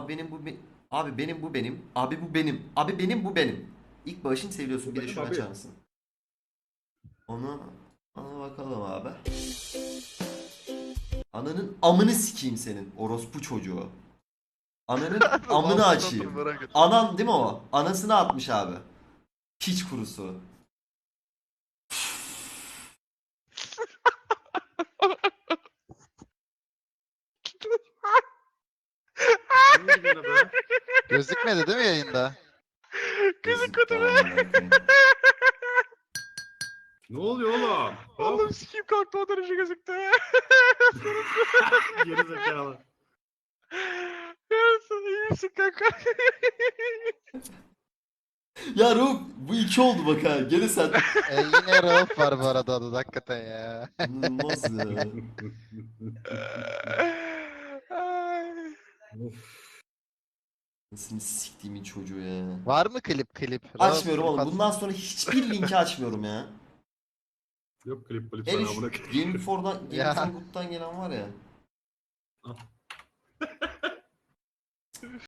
Abi benim bu abi benim bu benim. Abi bu benim. Abi benim bu benim. İlk başını seviyorsun. Bu Bir de benim şunu abi. açar mısın? Onu ona bakalım abi. Ananın amını sikeyim senin orospu çocuğu. Ananın Ne amını yaptın satırı açayım. merak ettim. Anan değil mi o? Anasını atmış abi. Piç kurusu. Ne oldu yine be? Gözükmedi değil mi yayında? Gözüktü amına koyayım. Ne oluyor oğlum? Oğlum Hop. sikeyim kalktı o derece gözüktü. Geri zekalı. Yarısın iyi misin kanka? Ya Ruh bu iki oldu bak ha. Gene sen. Yine Rauf var bu arada adada hakikaten ya. İnanılmaz ya. Ay. Of. Nasıl siktiğimin çocuğu ya. Var mı klip? Rauf Açmıyorum klip oğlum. atsın. Bundan sonra hiçbir linki açmıyorum ya. Yok klip Hele sana şu amına Game For'dan, Game Ya. for Good'dan gelen var ya.